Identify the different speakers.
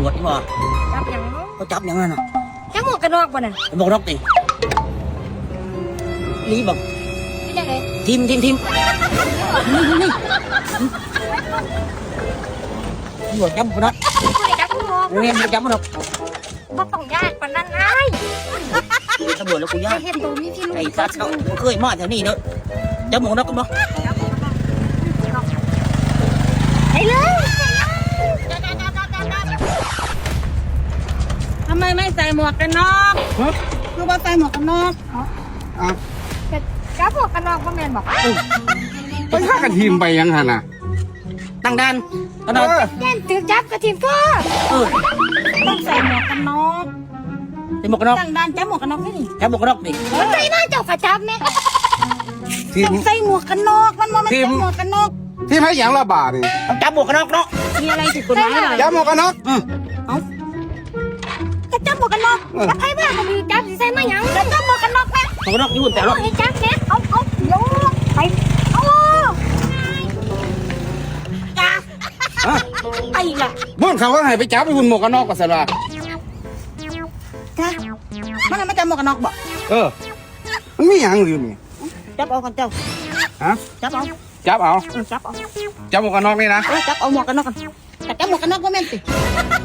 Speaker 1: ำรวจที่ว่า
Speaker 2: จับหยัง
Speaker 1: เขาจับอย่างนั้นน่ะ
Speaker 2: จับหมวกกันน็อกบ่น่ะ
Speaker 1: บอกนกติลีบอก
Speaker 2: เป็นจังได๋
Speaker 1: ทีมนี่ตำรวจจับคนนั้น
Speaker 2: ผู้ใดจับหมวก
Speaker 1: เรียนจับมันหรอก
Speaker 2: บ่ต้องญาติปานนั้นอ้าย
Speaker 1: ตำรวจแล้วกูยาก
Speaker 2: เฮ็ดตัวมีพิรุธ
Speaker 1: ไอ้สัตว์เขาเคยมาแถวนี้เนอะจับหมวกนกกันบ่
Speaker 2: ไปเลย
Speaker 3: ทำไมไม่ใส่หมวกกันน็อกคือว่าใส่หมวกกันน็อก
Speaker 2: จับหมวกกันน็อกบ่แม่นบ่
Speaker 4: ไปฆ่ากันทีมไปยังหันน่ะ
Speaker 1: ตั้งด่านตั้งด่าน
Speaker 2: แม่นถือจับกระถิ่นก็
Speaker 3: ต้องใส่หมวกกันน็อก
Speaker 1: ใส่หมวกกันน็อก
Speaker 3: ตั้งด่านจับหมวกกันน็อกนี่
Speaker 1: จับหมวกกันน็อกดิ
Speaker 2: มันใส่มาเจ้าก็จับแม่
Speaker 4: ทีม
Speaker 3: ต้องใส่หมวกกันน็อกมันบ่แม่นใส่หมวกกันน็อก
Speaker 4: ทีมให้อย่างละบาทนี่
Speaker 1: ต้องจับหมวกกันน็อกเนาะ
Speaker 3: มีอะไรผิดกฎหมายเหรอ
Speaker 4: ย้ำหมวกกันน็อก
Speaker 2: ก็จับหมวกกันน็อกแล้วใครบ้าก็มีจับสิใส่มาหยังก็จับหมวกกันน็อกแม่
Speaker 1: หมวกกันน็อกอยู่บนแต่รถ
Speaker 2: ให้จับแม่เอาเดี๋ยวไปเอาจ้าไอ้ล่ะ
Speaker 4: ม่วนเขาก็ให้ไปจับไปหุ่นหมวกกันน็อกกับสระ
Speaker 3: จ้ามันไม่จับหมวกกันน็อกบ่
Speaker 4: มันมีอย่างอยู่นี่
Speaker 3: จับเอากันเจ้า
Speaker 4: ฮะ
Speaker 3: จับเอา
Speaker 4: จับเอา
Speaker 3: จับเอา
Speaker 4: จับหมวกกันน็อกนี่นะ
Speaker 3: จับเอาหมวกกันน็อกกันแต่จับหมวกกันน็อกบ่แม่นสิ